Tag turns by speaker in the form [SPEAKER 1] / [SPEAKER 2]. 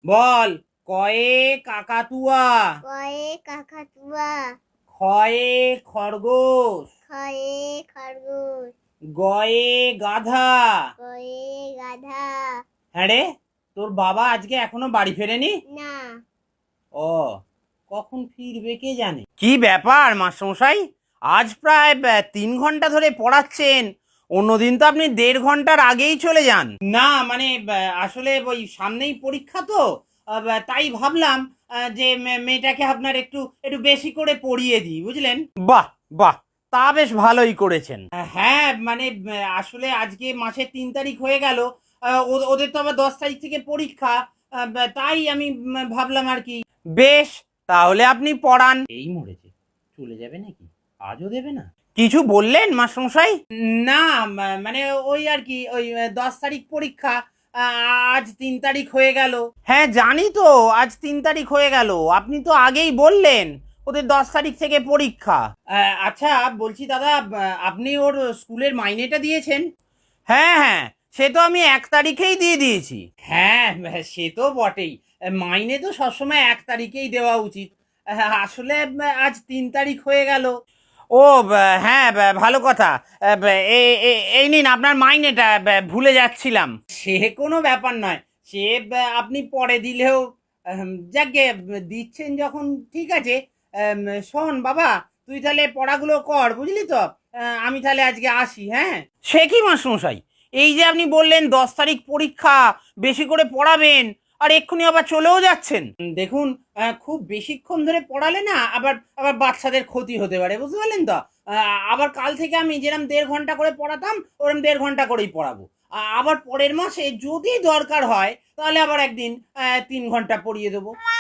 [SPEAKER 1] বল। কয়ে কাকাতুয়া,
[SPEAKER 2] কয়ে কাকাতুয়া,
[SPEAKER 1] খয়ে খরগোশ,
[SPEAKER 2] খয়ে খরগোশ,
[SPEAKER 1] গয়ে গাধা।
[SPEAKER 2] গয়ে গাধা।
[SPEAKER 1] হ্যাঁ রে, তোর বাবা আজকে এখনো বাড়ি ফেরেনি?
[SPEAKER 2] না।
[SPEAKER 1] ও, কখন ফিরবে কে জানে। কি ব্যাপার মাস্টারমশাই, আজ প্রায় 3 ঘন্টা ধরে পড়াচ্ছেন, অন্যদিন তো আপনি 1.5 ঘন্টার আগেই চলে যান। না মানে আসলে ওই সামনেই পরীক্ষা তো, তাই ভাবলাম যে মেয়েটাকে আপনার একটু একটু বেশি করে পড়িয়ে দিই, বুঝলেন। বাহ বাহ, তা বেশ ভালোই করেছেন। হ্যাঁ মানে আসলে আজকে মাসের 3 তারিখ হয়ে গেল, ওদের তো আবার 10 তারিখ থেকে পরীক্ষা, তাই আমি ভাবলাম আর কি। বেশ, তাহলে আপনি পড়ান। এই মরেছে, চলে যাবে নাকি? আজও দেবে না? কিছু বললেন মাস্টারমশাই? না মানে ওই আর কি, ওই 10 তারিখ পরীক্ষা, আজ 3 তারিখ হয়ে গেল। হ্যাঁ জানি তো, আজ 3 তারিখ হয়ে গেল, আপনি তো আগেই বললেন ওদের 10 তারিখ থেকে পরীক্ষা। আচ্ছা বলছি দাদা, আপনি ওর স্কুলের মাইনেটা দিয়েছেন? হ্যাঁ হ্যাঁ, সে তো আমি 1 তারিখেই দিয়ে দিয়েছি। হ্যাঁ সে তো বটেই, মাইনে তো সবসময় 1 তারিখেই দেওয়া উচিত। আসলে আজ 3 তারিখ হয়ে গেল। ও হ্যাঁ, ভালো কথা। এই নিন আপনার মাইনেটা, ভুলে যাচ্ছিলাম। সে কোনো ব্যাপার নয়, সে আপনি পরে দিলেও, যাকে দিচ্ছেন যখন ঠিক আছে। শোন বাবা, তুই তাহলে পড়াগুলো কর, বুঝলি তো। আমি তাহলে আজকে আসি, হ্যাঁ। সে কি মাস্টারমশাই, এই যে আপনি বললেন 10 তারিখ পরীক্ষা, বেশি করে পড়াবেন, আর এক্ষুনি আবার চলেও যাচ্ছেন। দেখুন, খুব বেশিক্ষণ ধরে পড়ালে না আবার আবার বাচ্চাদের ক্ষতি হতে পারে, বুঝতে পারলেন তো। আবার কাল থেকে আমি যেরকম 1.5 ঘন্টা করে পড়াতাম, ওরকম 1.5 ঘন্টা করেই পড়াবো। আবার পরের মাসে যদি দরকার হয় তাহলে আবার একদিন 3 ঘন্টা পড়িয়ে দেবো।